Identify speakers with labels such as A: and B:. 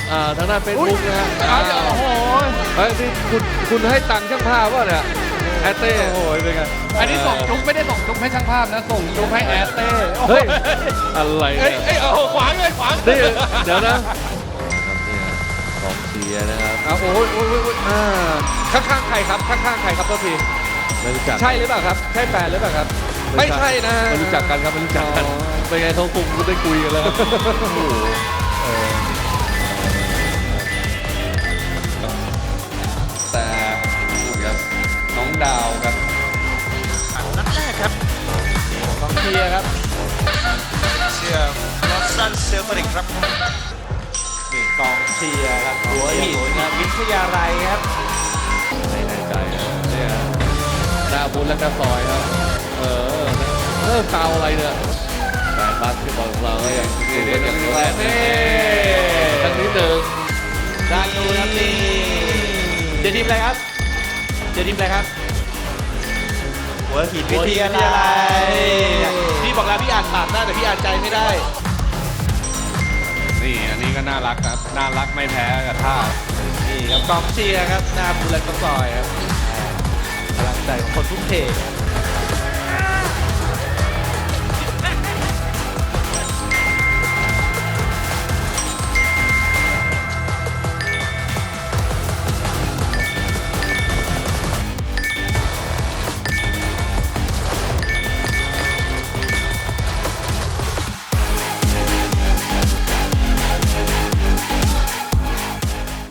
A: ทางด้านเฟซบุ๊กนะฮะ
B: โอ้โห
A: เฮ้ยนี่คุณให้ตังค์ช่างภาพวะเนี่ยแอตเต้
B: โอ้โหเป็นไงอันนี้ส่งจุ๊บไม่ได้ส่งจุ๊บให้ช่างภาพนะส่งจุ๊บให้แอสเต้โอ้โห
A: เฮ้ยอะไร
B: เอ้ย
A: เนี่ย
B: เอ้ยโอ้โหขวางเลยขวาง
A: นี่เดี๋ยวนะกองเชียร์นะครับโอ้ยข้างๆใครครับข้างๆใครครับตัวทีไม่รู้จักใช่หรือเปล่าครับใช่แฟนหรือเปล่าครับไม่ใช่นะไม่รู้จักกันครับไม่รู้จักกันเป็นไงเขาคงได้คุยกันแล้ว
B: แต่ครับน้องดาวครับ
C: นัดแรกครับ
B: กองเชียร์ครับ
C: เชียร์ลอสซันเซลติกครับ
B: นี่กองเชียร์ครับหัวหินครับวิทยาลัยครับ
A: ไม่แน่ใจเนี่ยหน้าบุญและกระซอยครับเริ่มเตาอะไรเนี่ยแฟนบาสเกตบอลของเราก็ยังอยู่กันอย่างเดียวแน่ทั้งนี้หนึ่ง
B: ด้านนู้นครับนี่เดี๋ยวทีมอะไรครับเดี๋ยวทีมอะไรครับ
C: หัวหิน
B: วิ
C: วิ
B: ท
C: ท
B: ยาย
C: า
B: ลั
C: ลั
B: ย
C: ยพี่บอกแล้วพี่อ่านปากได้แต่พี่อ่านใจไม่ได้
B: นี่อันนี้ก็น่ารักครับน่ารักไม่แพ้กับท่านี่ครับกองเชียร์ครับหน้าบุญและกระซอยครับพลังใจของคนทุ่มเทครับ